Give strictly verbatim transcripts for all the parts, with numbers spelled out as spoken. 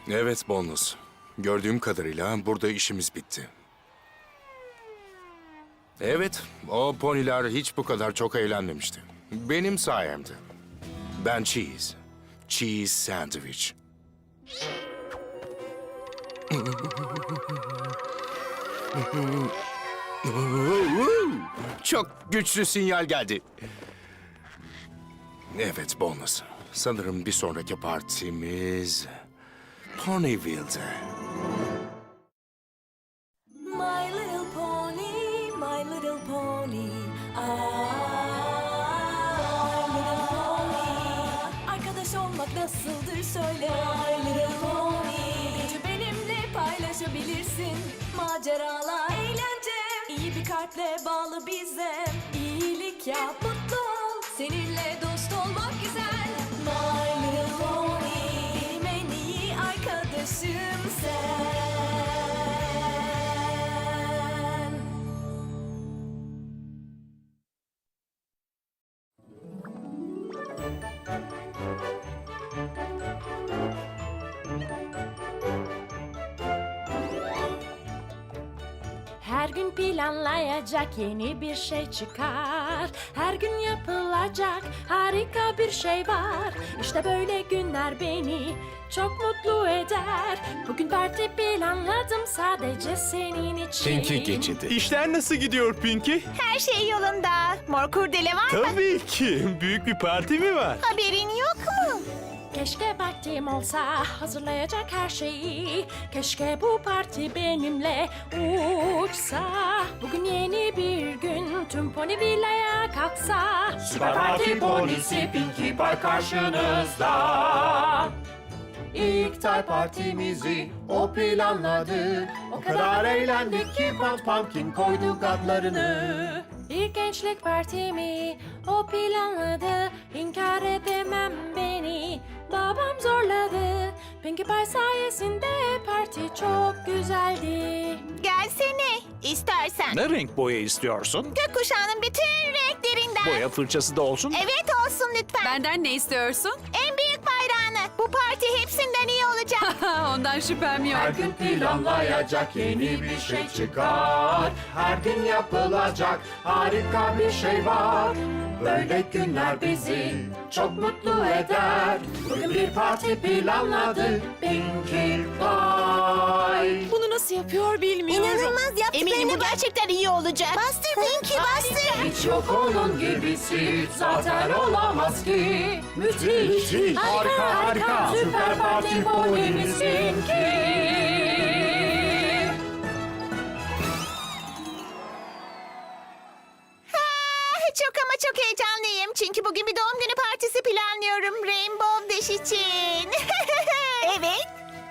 Evet Bonus. Gördüğüm kadarıyla burada işimiz bitti. Evet, o poniler hiç bu kadar çok eğlenmemişti. Benim sayemde. Ben Cheese. Cheese Sandwich. Çok güçlü sinyal geldi. Evet Bonus. Sanırım bir sonraki partimiz Ponyville'de. My little pony, my little pony. Ah, my little pony. Arkadaş olmak nasıldır söyle. My little pony. Gücü benimle paylaşabilirsin. Maceralar, eğlence. İyi bir kalple bağlı bize. İyilik yap, mutlu ol. Seninle dost olmak güzel. My little pony. Benim en iyi arkadaşım sen. Her gün planlayacak yeni bir şey çıkar. Her gün yapılacak harika bir şey var. İşte böyle günler beni çok mutlu eder. Bugün parti planladım sadece senin için. Pinky geçidi. İşler nasıl gidiyor Pinky? Her şey yolunda. Mor kurdele var mı? Tabii ki. Büyük bir parti mi var? Haberin yok mu? Keşke vaktim olsa hazırlayacak her şeyi. Keşke bu parti benimle uçsa. Bugün yeni bir gün tüm Ponyville'ya kalksa. Süper Parti Ponisi Pinkie Pie karşınızda. İlk tay partimizi o planladı. O kadar eğlendik ki Pant Pumpkin koyduk adlarını. Bir gençlik partimi o planladı. İnkar edemem beni babam zorladı. Pinkie Pie sayesinde parti çok güzeldi. Gelsene istersen. Ne renk boya istiyorsun? Gökkuşağının bütün renklerinden. Boya fırçası da olsun. Evet olsun lütfen. Benden ne istiyorsun? En büyük bayrağını. Bu parti hepsinden iyi olacak. Ondan şüphem yok. Her gün planlayacak yeni bir şey çıkar. Her gün yapılacak harika bir şey var. Böyle günler bizi çok mutlu eder. Bugün bir parti planladı Pinkie Pie. Bunu nasıl yapıyor bilmiyorum. İnanılmaz yaptıklarını bu gerçekten iyi olacak. Bastır Pinky bastır. Hiç yok onun gibisi zaten olamaz ki. Müthiş, Müthiş. harika, harika. Süper Parti Ponimizin ki. Ah, çok ama çok heyecanlıyım. Çünkü bugün bir doğum günü partisi planlıyorum Rainbow Dash için. Evet.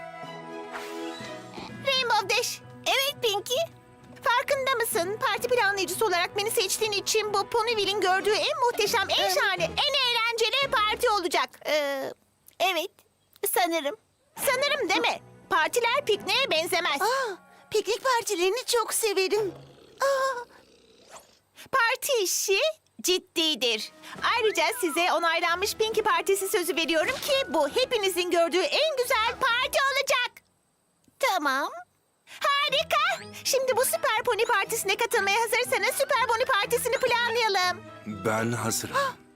Rainbow Dash. Evet Pinky. Farkında mısın? Parti planlayıcısı olarak beni seçtiğin için bu Ponyville'in gördüğü en muhteşem, en şahane, en eğlenceli parti olacak. Ee, evet. Sanırım. Sanırım değil mi? Partiler pikniğe benzemez. Aa, piknik partilerini çok severim. Aa. Parti işi ciddidir. Ayrıca size onaylanmış Pinky Partisi sözü veriyorum ki bu hepinizin gördüğü en güzel parti olacak. Tamam. Harika. Şimdi bu Süper Pony Partisi'ne katılmaya hazırsanız Süper Pony Partisi'ni planlayalım. Ben hazırım.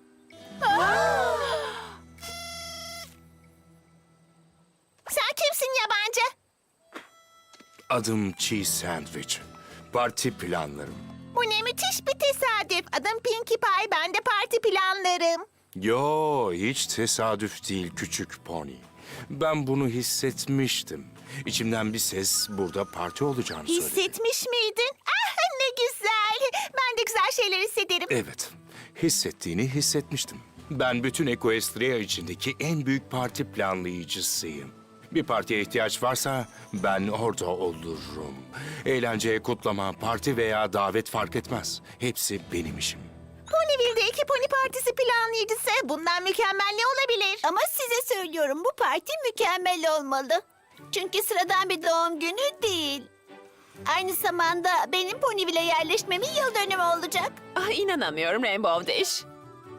Sen kimsin yabancı? Adım Cheese Sandwich. Parti planlarım. Bu ne müthiş bir tesadüf. Adım Pinkie Pie, ben de parti planlarım. Yo, hiç tesadüf değil küçük pony. Ben bunu hissetmiştim. İçimden bir ses burada parti olacağını söyledi. Hissetmiş miydin? Ah ne güzel. Ben de güzel şeyler hissederim. Evet, hissettiğini hissetmiştim. Ben bütün Equestria içindeki en büyük parti planlayıcısıyım. Bir partiye ihtiyaç varsa ben orada olurum. Eğlence, kutlama, parti veya davet fark etmez. Hepsi benim işim. Ponyville'de iki pony partisi planlayıcısı. Bundan mükemmel ne olabilir? Ama size söylüyorum bu parti mükemmel olmalı. Çünkü sıradan bir doğum günü değil. Aynı zamanda benim Ponyville'e yerleşmemin yıl dönümü olacak. Ah, inanamıyorum Rainbow Dash.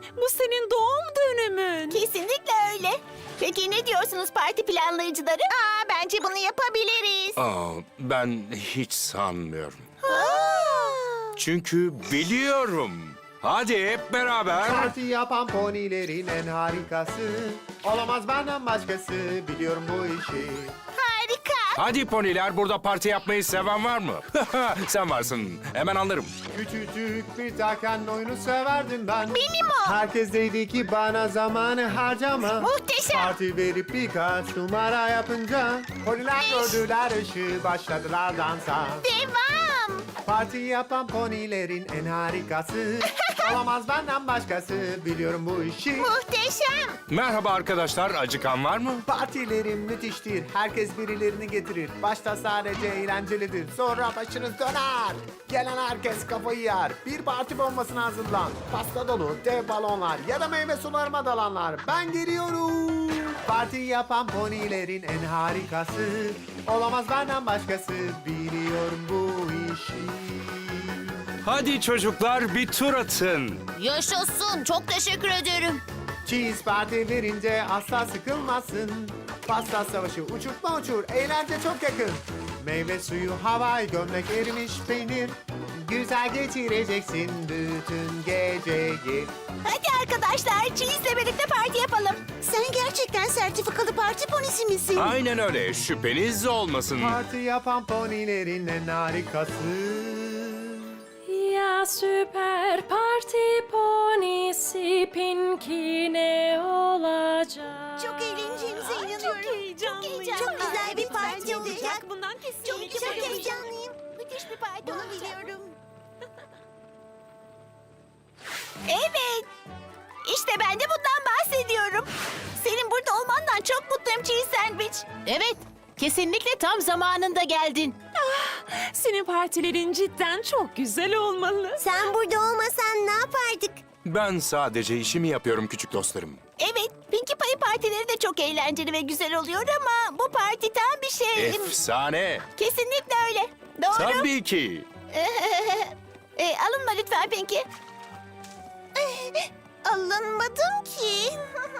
Bu senin doğum dönümün. Kesinlikle öyle. Peki ne diyorsunuz parti planlayıcıları? Aa, bence bunu yapabiliriz. Aa, ben hiç sanmıyorum. Aa. Çünkü biliyorum. Hadi hep beraber. Parti yapan ponilerin en harikası. Olamaz benden başkası, biliyorum bu işi. Harika. Hadi poniler, burada parti yapmayı seven var mı? Sen varsın. Hemen anlarım. Küçücük bir takan oyunu severdim ben. Benim o. Herkes dedi ki bana zamanı harcama. Muhteşem. Parti verip birkaç numara yapınca poniler gördüler ışığı, başladılar dansa. Devam. Parti yapan ponilerin en harikası. Olamaz benden başkası, biliyorum bu işi. Muhteşem. Merhaba arkadaşlar, acıkan var mı? Partilerim müthiştir. Herkes birilerini getirir. Başta sadece eğlencelidir. Sonra başınız döner. Gelen herkes kafayı yer. Bir parti bombasına hazırlan. Pasta dolu, dev balonlar ya da meyve sularıma dalanlar. Ben geliyorum. Parti yapan ponilerin en harikası. Olamaz benden başkası. Biliyorum bu işi. Hadi çocuklar, bir tur atın. Yaşasın. Çok teşekkür ederim. Cheese parti verince asla sıkılmazsın. Pasta savaşı uçurtma uçur, eğlence çok yakın. Meyve suyu, havai gömlek, erimiş peynir. Güzel geçireceksin bütün geceyi. Hadi arkadaşlar, Cheese'le birlikte parti yapalım. Sen gerçekten sertifikalı parti ponisi misin? Aynen öyle, şüpheniz olmasın. Parti yapan ponilerin en harikası. Ya süper parti ponisi Pinky ne olacak? Çok eğleneceğimize inanıyorum. Çok heyecanlıyım. Çok güzel bir parti olacak. Bundan kesinlikle çok, çok heyecanlıyım. Müthiş bir parti olacak. Biliyorum. Evet. İşte ben de bundan bahsediyorum. Senin burada olmandan çok mutluyum Cheese Sandwich. Evet. Kesinlikle tam zamanında geldin. Senin partilerin cidden çok güzel olmalı. Sen burada olmasan ne yapardık? Ben sadece işimi yapıyorum küçük dostlarım. Evet, Pinkie Pie partileri de çok eğlenceli ve güzel oluyor ama bu parti tam bir şey. Efsane. Kesinlikle öyle. Doğru. Tabii ki. e, alınma lütfen Pinkie. Alınmadım ki.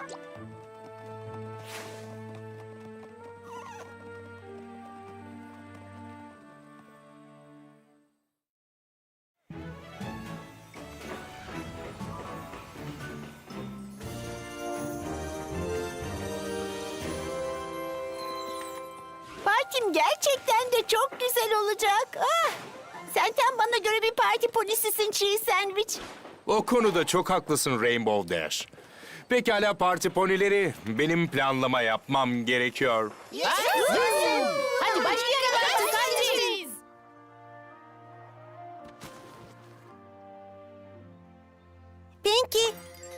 Partim gerçekten de çok güzel olacak. Ah! Sen tam bana göre bir parti polisisin Cheese Sandwich. O konuda çok haklısın Rainbow Dash. Pekala parti ponileri, benim planlama yapmam gerekiyor. Hadi başlayalım artık hadi. Pinky.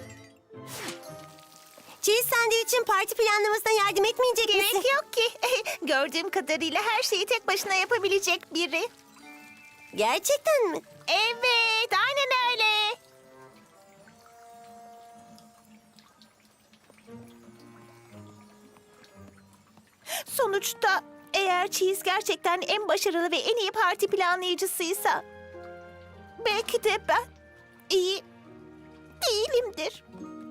Cheese Sandwich'in parti planlamasına yardım etmeyecek misin? Gerek yok ki. Gördüğüm kadarıyla her şeyi tek başına yapabilecek biri. Gerçekten mi? Evet, aynen öyle. Sonuçta eğer Cheese gerçekten en başarılı ve en iyi parti planlayıcısıysa belki de ben iyi değilimdir.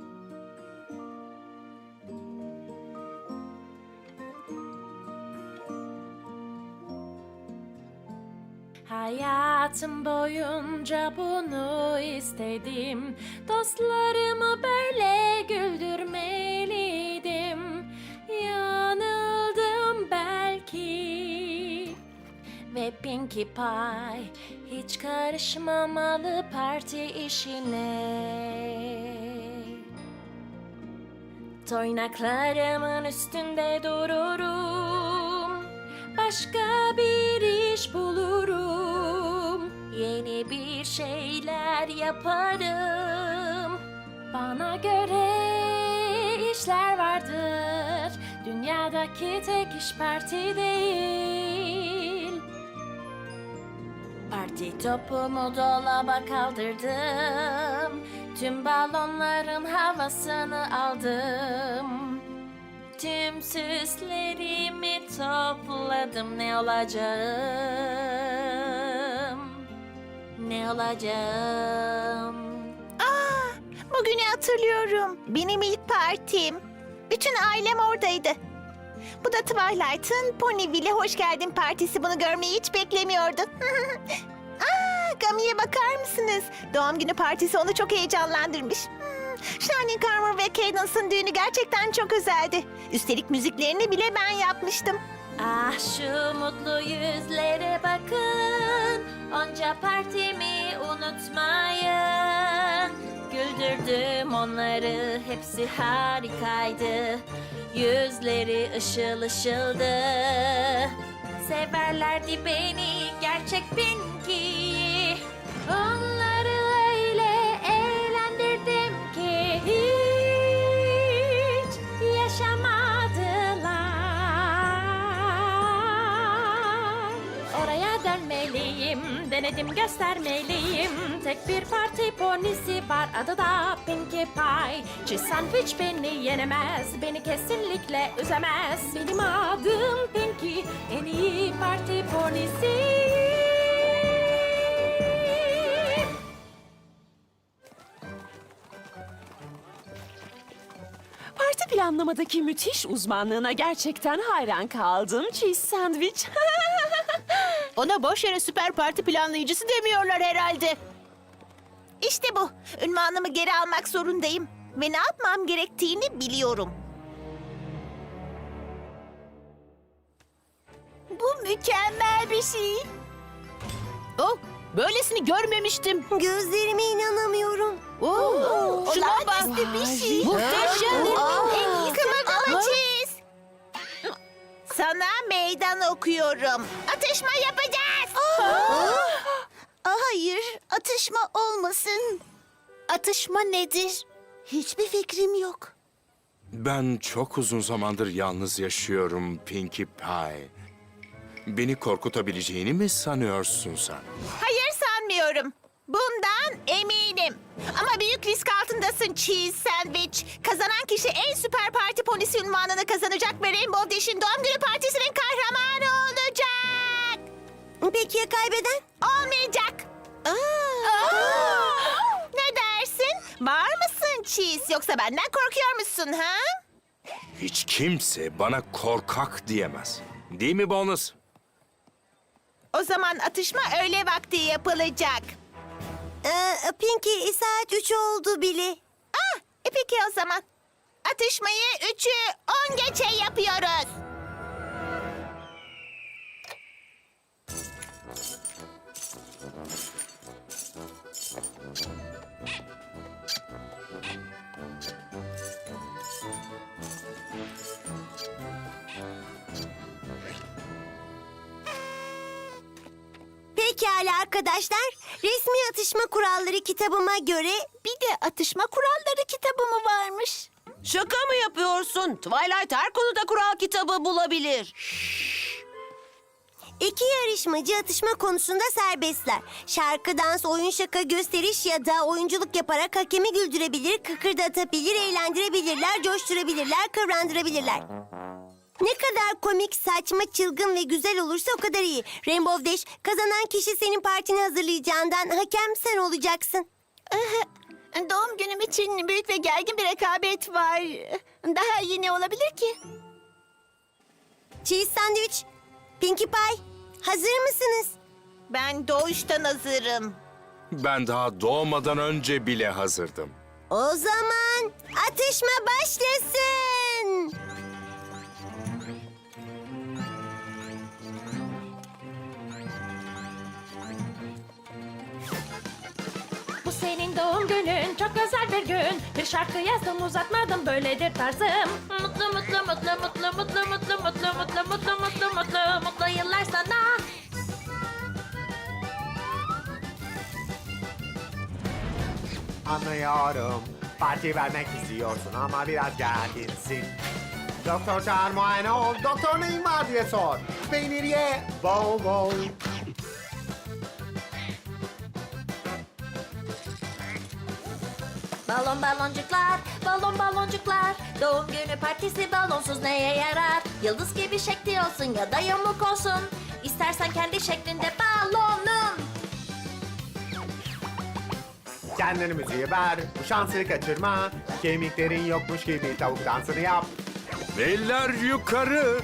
Hayatım boyunca bunu istedim. Dostlarımı böyle güldürmeliydim. Yanıldım belki. Ve Pinkie Pie hiç karışmamalı parti işine. Toynaklarımın üstünde dururum. Başka bir iş bulurum. Yeni bir şeyler yaparım. Bana göre işler vardır. Dünyadaki tek iş parti değil. Parti topumu dolaba kaldırdım. Tüm balonların havasını aldım. Tüm süslerimi topladım. Ne olacağım? Ne olacağım? Aa, bugün günü hatırlıyorum. Benim ilk partim. Bütün ailem oradaydı. Bu da Twilight'ın Ponyville'e hoş geldin partisi. Bunu görmeyi hiç beklemiyordu. Aa, Gami'ye bakar mısınız? Doğum günü partisi onu çok heyecanlandırmış. Hmm, Shining Armor ve Cadence'ın düğünü gerçekten çok özeldi. Üstelik müziklerini bile ben yapmıştım. Ah şu mutlu yüzlere bakın, onca partimi unutmayın. Güldürdüm onları, hepsi harikaydı. Yüzleri ışıl ışıldı. Severlerdi beni, gerçek Pinky. Onları öyle eğlendirdim ki hiç yaşamadılar. Oraya dönmeliyim, denedim göstermeliyim. Tek bir parti ponisi var, adı da Pinkie Pie. Cheese sandwich beni yenemez, beni kesinlikle üzemez. Benim adım Pinkie, en iyi parti ponisi. Parti planlamadaki müthiş uzmanlığına gerçekten hayran kaldım Cheese Sandwich. Ona boş yere süper parti planlayıcısı demiyorlar herhalde. İşte bu. Ünvanımı geri almak zorundayım. Ve ne yapmam gerektiğini biliyorum. Bu mükemmel bir şey. Oh, böylesini görmemiştim. Gözlerime inanamıyorum. Oh, olağanüstü bir şey. Muhteşem. En iyi kımıldama çiz. Sana meydan okuyorum. Atışma yapacağız. Hayır, atışma olmasın. Atışma nedir? Hiçbir fikrim yok. Ben çok uzun zamandır yalnız yaşıyorum Pinkie Pie. Beni korkutabileceğini mi sanıyorsun sen? Hayır sanmıyorum. Bundan eminim. Ama büyük risk altındasın Cheese Sandwich. Kazanan kişi en süper parti ponisi unvanını kazanacak ve Rainbow Dash'in doğum günü partisinin kahramanı olacak. Peki ya kaybeden? Olmayacak. Ne dersin? Var mısın Cheese? Yoksa benden korkuyor musun ha? Hiç kimse bana korkak diyemez. Değil mi Bonus? O zaman atışma öğle vakti yapılacak. Ee, Pinky saat üç oldu bile. Ah, e peki o zaman. Atışmayı üçü on geçe yapıyoruz. Pekala arkadaşlar. Resmi atışma kuralları kitabıma göre bir de atışma kuralları kitabı mı varmış? Şaka mı yapıyorsun? Twilight her konuda kural kitabı bulabilir. İki yarışmacı atışma konusunda serbestler. Şarkı, dans, oyun, şaka, gösteriş ya da oyunculuk yaparak hakemi güldürebilir, kıkırdatabilir, eğlendirebilirler, coşturabilirler, kıvrandırabilirler. Ne kadar komik, saçma, çılgın ve güzel olursa o kadar iyi. Rainbow Dash, kazanan kişi senin partini hazırlayacağından hakem sen olacaksın. Doğum günüm için büyük ve gergin bir rekabet var. Daha iyi ne olabilir ki? Cheese Sandwich, Pinkie Pie, hazır mısınız? Ben doğuştan hazırım. Ben daha doğmadan önce bile hazırdım. O zaman atışma başlasın. Bu senin doğum günün, çok özel bir gün. Bir şarkı yazdım, uzatmadım, böyledir tarzım. Mutlu mutlu mutlu mutlu mutlu mutlu mutlu mutlu mutlu mutlu mutlu mutlu yıllar sana. Anlıyorum. Parti vermek istiyorsun ama biraz gerginsin. Doktor çağır, muayene ol. Doktor neyin var diye sor. Peynir ye. Bol bol. Balon baloncuklar, balon baloncuklar. Doğum günü partisi balonsuz neye yarar? Yıldız gibi şekli olsun ya da yamuk olsun. İstersen kendi şeklinde balonun. Kendini müziğe ver, bu şansı kaçırma. Kemiklerin yokmuş gibi tavuk dansını yap. Eller yukarı.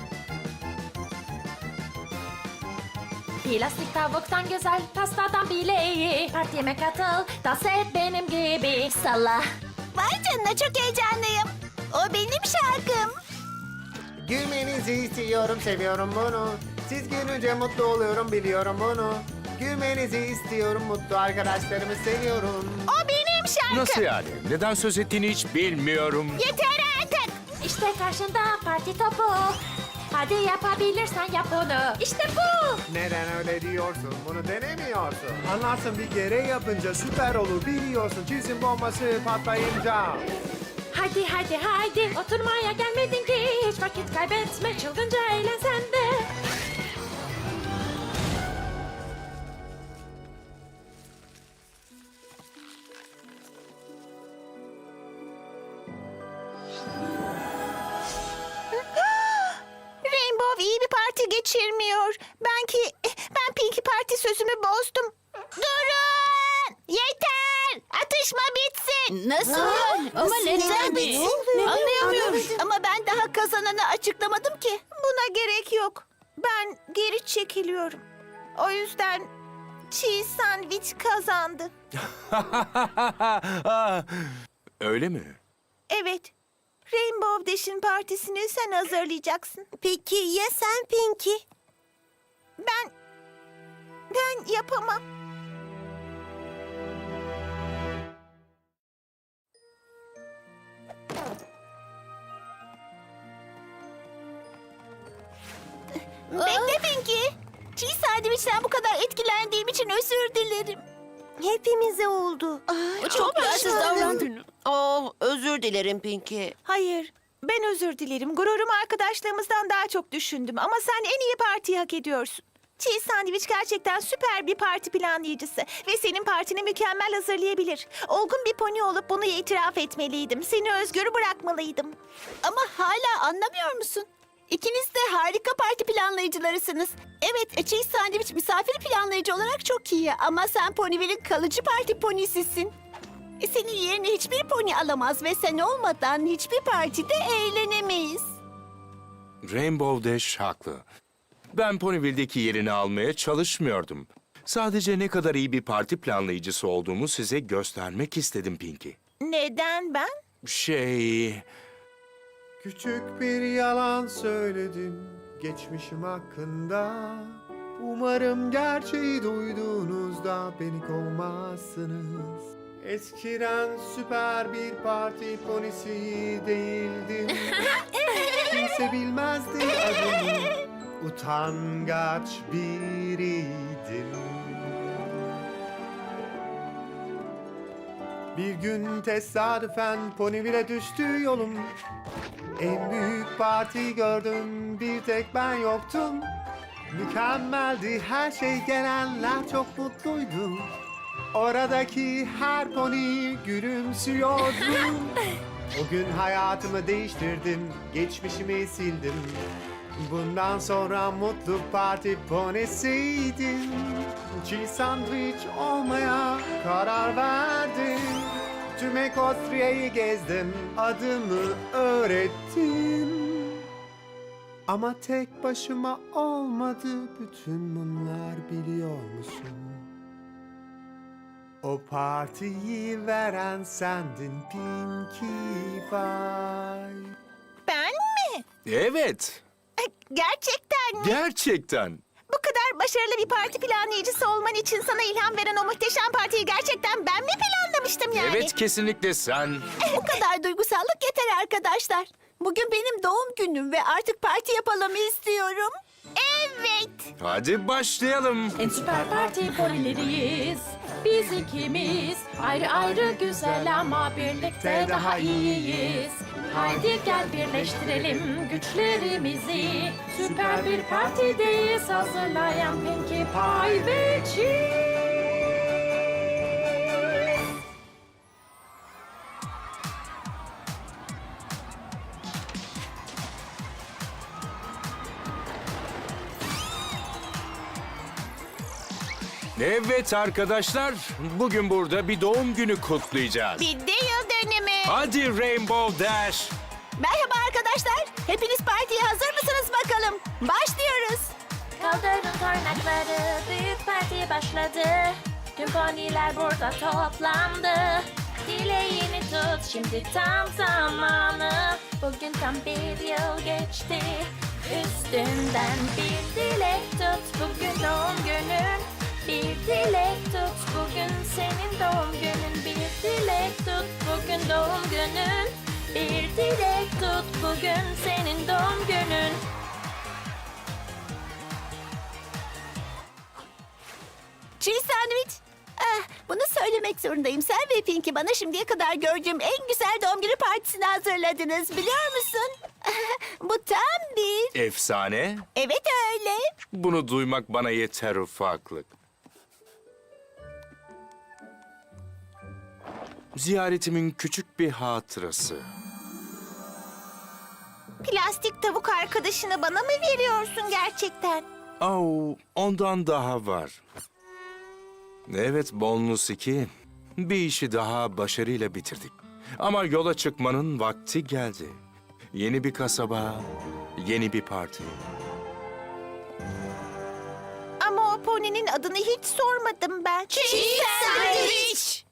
Plastik tavuktan güzel, pastadan bile iyi. Partime katıl, dans et benim gibi. Salla. Vay canına çok heyecanlıyım. O benim şarkım. Gülmenizi istiyorum, seviyorum bunu. Siz gülünce mutlu oluyorum, biliyorum bunu. Gülmenizi istiyorum, mutlu arkadaşlarımı seviyorum. O benim şarkım. Nasıl yani? Neden söz ettiğini hiç bilmiyorum. Yeter artık. İşte karşında parti topu. Hadi yapabilirsen yap bunu. İşte bu. Neden öyle diyorsun, bunu denemiyorsun? Anlarsın bir kere yapınca süper olur biliyorsun. Çizim bombası patlayınca. Hadi hadi hadi. Oturmaya gelmedin ki. Hiç vakit kaybetme. Çılgınca eğlen sen de. Rainbow iyi bir parti geçirmiyor. Ben ki ben Pinky parti sözümü bozdum. Durun! Yeter! Atışma bitsin. Nasıl yani? Ama neden mi? Anlayamıyorum. Ama ben daha kazananı açıklamadım ki. Buna gerek yok. Ben geri çekiliyorum. O yüzden cheese sandwich kazandı. Öyle mi? Evet. Rainbow Dash'in partisini sen hazırlayacaksın. Peki ya sen Pinky? Ben... Ben yapamam. Bekle Pinky. Cheese sandwich'ten bu kadar etkilendiğim için özür dilerim. Hepimize oldu. Çok yersiz davrandın. Oh, özür dilerim Pinky. Hayır, ben özür dilerim. Gururumu arkadaşlığımızdan daha çok düşündüm. Ama sen en iyi partiyi hak ediyorsun. Cheese Sandwich gerçekten süper bir parti planlayıcısı. Ve senin partini mükemmel hazırlayabilir. Olgun bir pony olup bunu itiraf etmeliydim. Seni özgür bırakmalıydım. Ama hala anlamıyor musun? İkiniz de harika parti planlayıcılarısınız. Evet, Cheese Sandwich misafir planlayıcı olarak çok iyi. Ama sen Ponyville'in kalıcı parti ponisisin. E, Senin yerine hiçbir pony alamaz ve sen olmadan hiçbir partide eğlenemeyiz. Rainbow Dash haklı. Ben Ponyville'deki yerini almaya çalışmıyordum. Sadece ne kadar iyi bir parti planlayıcısı olduğumu size göstermek istedim Pinky. Neden ben? Şey... Küçük bir yalan söyledim geçmişim hakkında. Umarım gerçeği duyduğunuzda beni kovmazsınız. Eskiden süper bir parti ponisi değildim. Kimse bilmezdi adımı. Utangaç biriydim. Bir gün tesadüfen Ponyville'e düştü yolum. En büyük parti gördüm, bir tek ben yoktum. Mükemmeldi her şey, gelenler çok mutluydu. Oradaki her pony gülümsüyordu. O gün hayatımı değiştirdim, geçmişimi sildim. Bundan sonra mutlu parti ponisiydim. Cheese sandwich olmaya karar verdim. Tüm Ekostria'yı gezdim, adımı öğrettim. Ama tek başıma olmadı, bütün bunlar biliyor musun? O partiyi veren sendin Pinkie Pie. Ben mi? Evet, Gerçekten mi? gerçekten. Bu kadar başarılı bir parti planlayıcısı olman için sana ilham veren o muhteşem partiyi gerçekten ben mi planlamıştım yani? Evet, kesinlikle sen. Bu kadar duygusallık yeter arkadaşlar. Bugün benim doğum günüm ve artık parti yapalım istiyorum. Evet. Hadi başlayalım. En süper parti ponileriyiz. Biz ikimiz ayrı ayrı güzel ama birlikte daha iyiyiz. Haydi gel birleştirelim güçlerimizi. Süper bir partideyiz hazırlayan Pinkie Pie ve Cheese. Evet arkadaşlar, bugün burada bir doğum günü kutlayacağız. Bir de yıl dönümü. Hadi Rainbow Dash. Merhaba arkadaşlar. Hepiniz partiye hazır mısınız bakalım? Başlıyoruz. Kaldırın tornakları, büyük parti başladı. Tüm poniler burada toplandı. Dileğini tut, şimdi tam zamanı. Bugün tam bir yıl geçti. Üstünden bir dilek tut, bugün doğum günün. Bir dilek tut, bugün senin doğum günün. Bir dilek tut, bugün doğum günün. Bir dilek tut, bugün senin doğum günün. Cheese sandwich. Ah, bunu söylemek zorundayım. Sen ve Pinky bana şimdiye kadar gördüğüm en güzel doğum günü partisini hazırladınız. Biliyor musun? Bu tam bir... Efsane. Evet öyle. Bunu duymak bana yeter ufaklık. Ziyaretimin küçük bir hatırası. Plastik tavuk arkadaşını bana mı veriyorsun gerçekten? Au, ondan daha var. Evet Bonus iki, bir işi daha başarıyla bitirdik. Ama yola çıkmanın vakti geldi. Yeni bir kasaba, yeni bir parti. Ama o poninin adını hiç sormadım ben. Cheese sandwich.